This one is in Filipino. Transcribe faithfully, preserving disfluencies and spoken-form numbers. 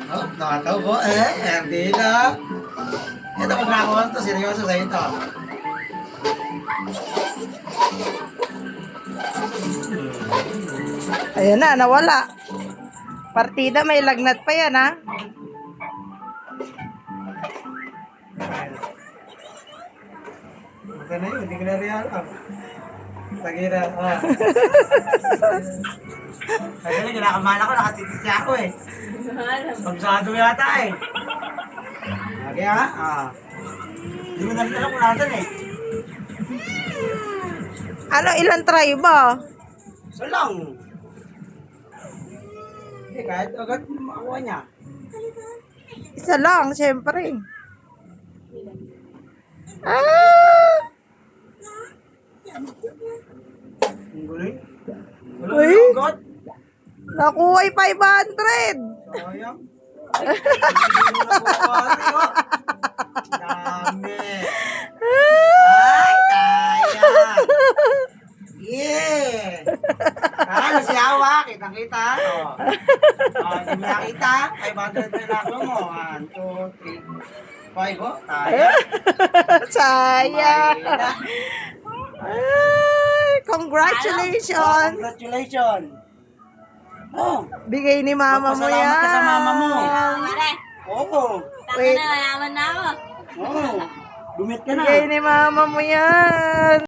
Oh, nakataw po. Eh, hindi na. Ito kung nakakuha to, seryoso sa ito. Ayan na, nawala. Partida, may lagnat pa yan, ha? Ito na yun, hindi ko na rin alam. Tagira, ah. Kasi na, kinakamala ko, nakatitis siya ako eh. Pagsado yata eh. Lagi ha, ah. Hindi mo namin alam kung natin eh. Ano, ilan try ba? So lang. Hindi, kahit agad makakuha niya. Isa lang, syempre. Ah! Ang guloy. Wala Uy. na agad. Nakuha yung five hundred. Sayang. Hindi mo nakuha rin oh. Dami. Ay, sayang. Yeah. Ah, si Awa, kitang-kita. Oh. Oh, hindi mo nakita. five hundred na lang mo. one, two, three, five. Oh, sayang. Sayang. Mahina. Ay, Oh, congratulations. congratulations. Oh, Bigay ni mama mo yan. magpasalamat ka sa mama mo. Mare, Oo. taka Wait. na, mayaman na ako. Oo. Dumit ka na. Bigay ni mama mo yan.